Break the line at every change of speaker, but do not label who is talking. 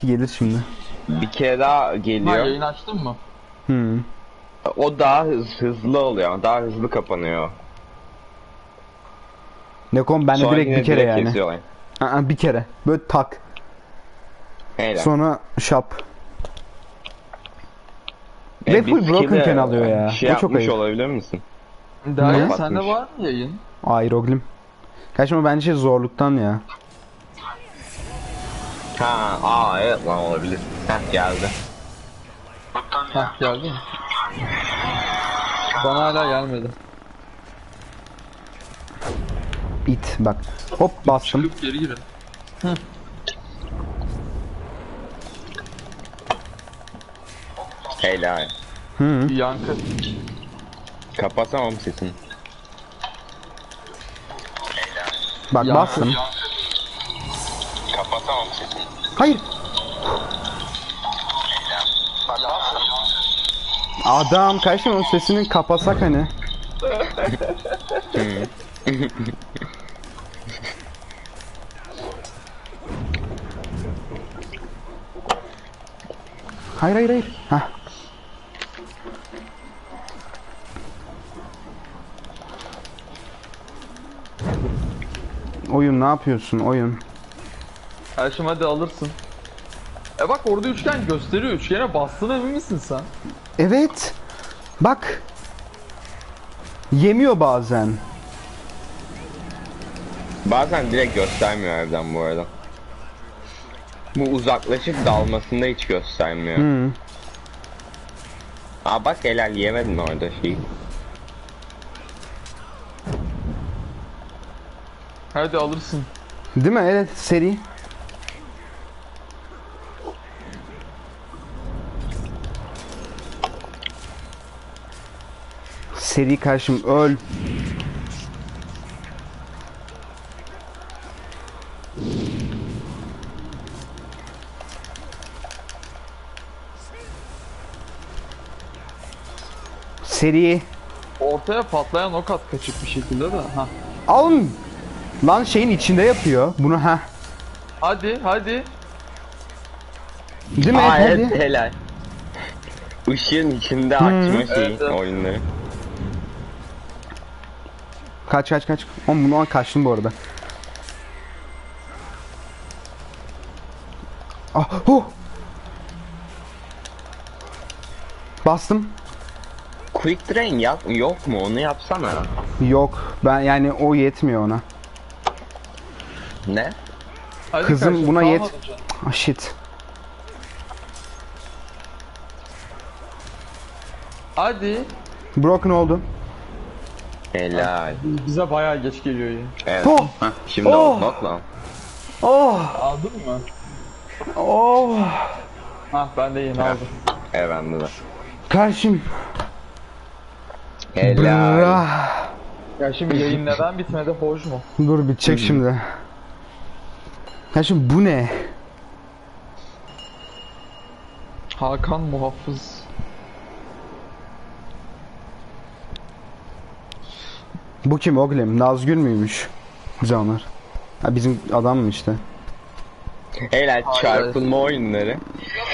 gelir şimdi.
Bir kere daha
Ha,
geliyor.
yayın açtın mı?
O daha hızlı oluyor. Daha hızlı kapanıyor.
Nekom ben de
Sonra
direkt
yine
bir kere
direkt
yani.
kesiyorlar.
Bir kere. Böyle tak.
Helal.
Sonra şap. Ve
Bir
full broken
skill'e
ken alıyor ya.
Şey
O çok
yapmış
ayıp.
olabilir misin?
Derya
Kapatmış.
sende var mı yayın?
Aeroglim. Kaçma bence zorluktan ya.
Evet lan olabilir. Geldi.
Hah, geldi mi? Bana hala gelmedi.
İt bak. Hop bastım.
Çıkıp geri girin.
Helal.
Bir yankı.
Kapatamam sesini.
Bak
Yankı.
bastım.
Kapatamam sesini.
Hayır. Adam kaçma onun sesini kapasak hani. Hayır hayır hayır. Hah. Oyun ne yapıyorsun oyun?
Erşim hadi alırsın. Bak orada üçgen gösteriyor. Üçgene bastığına emin misin sen?
Evet. Bak. Yemiyor bazen.
Bazen direkt göstermiyor evden bu arada. Bu uzaklaşıp dalmasında hiç göstermiyor. Bak helal yemedin orada şeyi.
Hadi alırsın.
Değil mi? Evet seri. Seri karşım öl. Seri.
Ortaya patlayan ok at kaçık bir şekilde de. Ha.
Alın. Lan şeyin içinde yapıyor. Bunu ha.
Hadi hadi.
Değil mi?
Evet
Hadi.
helal. Işığın içinde açma şeyi
Evet.
oyunları.
Kaç kaç kaç. Oğlum bunu kaçtım bu arada. Bastım.
Quick drain yok mu onu yapsana.
Yok. Ben yani o yetmiyor ona.
Ne?
Hadi
Kızım
kardeşim,
buna
kalmadı
yet.
canım.
Shit.
Hadi.
Broken oldu.
Helal.
Bize bayağı geç geliyor ya.
Evet.
Oh!
Şimdi
Oh!
oldu bak lan.
Aldın mı? Ha, ben de yeni aldım.
Evet bende de.
Karşım.
Helal.
Brah.
Ya şimdi yayın neden bitmedi, hoş mu?
Dur bitecek şimdi. Karşım bu ne?
Hakan Muhafız.
Bu kim oğlum? Nazgül müymüş? Canlar. Ha bizim adam mı işte?
Helal çarpılma oyunları.